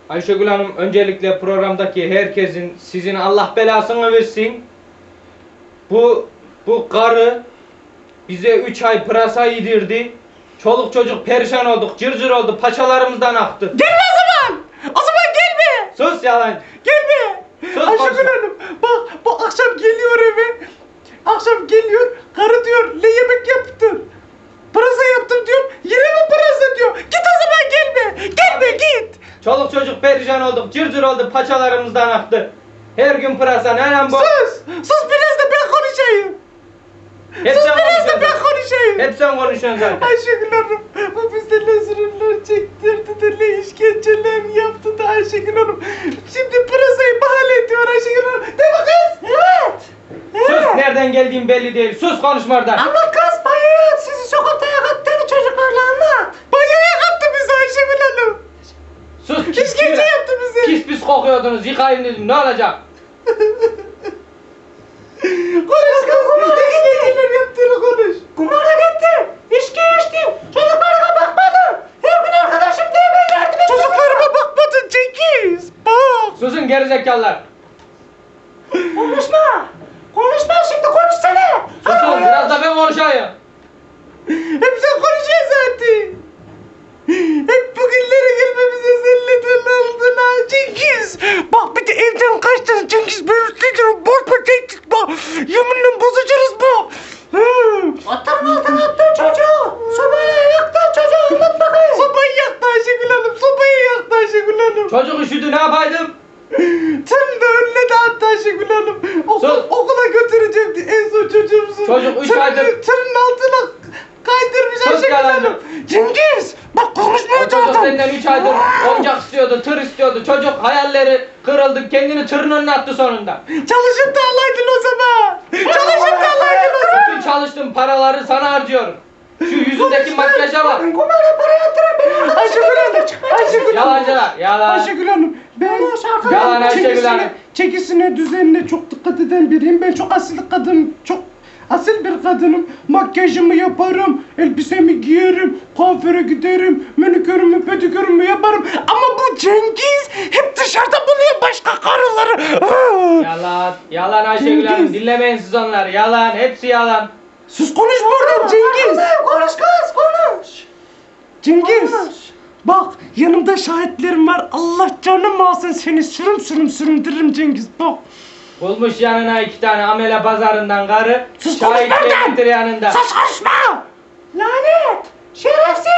Ayşegül Hanım, öncelikle programdaki herkesin, sizin Allah belasını versin. Bu karı bize 3 ay pırasa yedirdi. Çoluk çocuk perişan olduk, cırcır oldu, paçalarımızdan aktı. Gelme o zaman! O zaman gelme! Sus yalan. Gelme! Sus, Ayşegül konuşma. Hanım, bak bu akşam geliyor eve. Akşam geliyor, karı diyor, ne yemek yaptın? Pırasa yaptım diyor, yine mi pırasa diyor. Git o zaman gelme, gelme git. Çoluk çocuk perişan olduk, cırcır oldu, paçalarımızdan aktı. Her gün pırasa, ne lan bu? Sus biraz da ben konuşayım. Hep Sus sen biraz da konuşuyorsun. ben konuşayım. Hep sen konuşuyorsun zaten. Ayşegül Hanım, bu bize ne zulümler çektirdi de ne işkenceler yaptı da Ayşegül Hanım. Şimdi pırasayı bahane ediyor Ayşegül Hanım. Değil mi kız? Evet. Sus, nereden geldiğin belli değil. Sus, konuşma oradan. Anlat kız, banyoya sizi sokakta yakattığını çocuklarla anlat. Banyoya yakattı bizi Ayşegül Hanım. Sus, İşkence yaptı bize. Pis pis kokuyordunuz, yıkayın dedim, ne olacak? Konuş kız, kumara işkenceler yaptığını konuş. Kumara gitti, içki içti, çocuklarıma bakmadın. Her gün arkadaşım diye ben yardım ettim. Çocuklarıma bakmadın Cengiz, bak. Susun gerizekalılar. Konuşma. Konuşma şimdi, konuşsana. Susun, biraz da ben konuşayım. Hep sen konuşuyorsun zaten. Hep bugünlere gelmemize selledin aldın ha Cengiz. Bak bir de evden kaçtın Cengiz. Ben üstledim. Bozma tehdit bak. Yeminle bozacağız bu. Atların altına attın çocuğu. Sobayı yaktın çocuğu. Anlat bakayım. Sobayı yaktı Ayşegül Hanım. Sobayı yaktı Ayşegül Hanım. Çocuk üşüdü, ne yapaydım? Tırın da önüne de attı Ayşegül Hanım. Sus. Okula götürecekti en son çocuğumuzu. Çocuk üç aydır- Tırın altına kaydırmış Sus Ayşegül yalancı. Hanım. Cengiz bak O konuşmuyor çocuk zaten. senden 3 aydır oyuncak istiyordu, tır istiyordu. Çocuk hayalleri kırıldı, kendini tırın önüne attı sonunda. Çalışıp da alaydın o zaman. Çalışıp da alaydın o zaman. Bütün çalıştığım paraları sana harcıyorum. Şu yüzündeki makyaja bak. Kumara para yatıran benim Ayşegül Hanım. Ayşegül Hanım. Yalancılar, yalan. Ayşegül Hanım, ben Yalan Ayşegül Hanım. çekisine, düzenine çok dikkat eden biriyim. Ben çok asil kadın, çok asil bir kadınım. Makyajımı yaparım, elbisemi giyerim, kuaföre giderim, manikürümü, pedikürümü yaparım. Ama bu Cengiz hep dışarıda buluyor başka karıları. Yalan, yalan Ayşegül Hanım. Cengiz. Dinlemeyin siz onları. Yalan, hepsi yalan. Sus konuş buradan Cengiz. Konuş kız konuş. Cengiz. Bak yanımda şahitlerim var. Allah canım alsın seni süründürürüm Cengiz bak. Bulmuş yanına 2 tane amele pazarından karı. Sus, Şahitler konuşma lan! getir yanında. Sus konuşma. Lanet. Şerefsiz.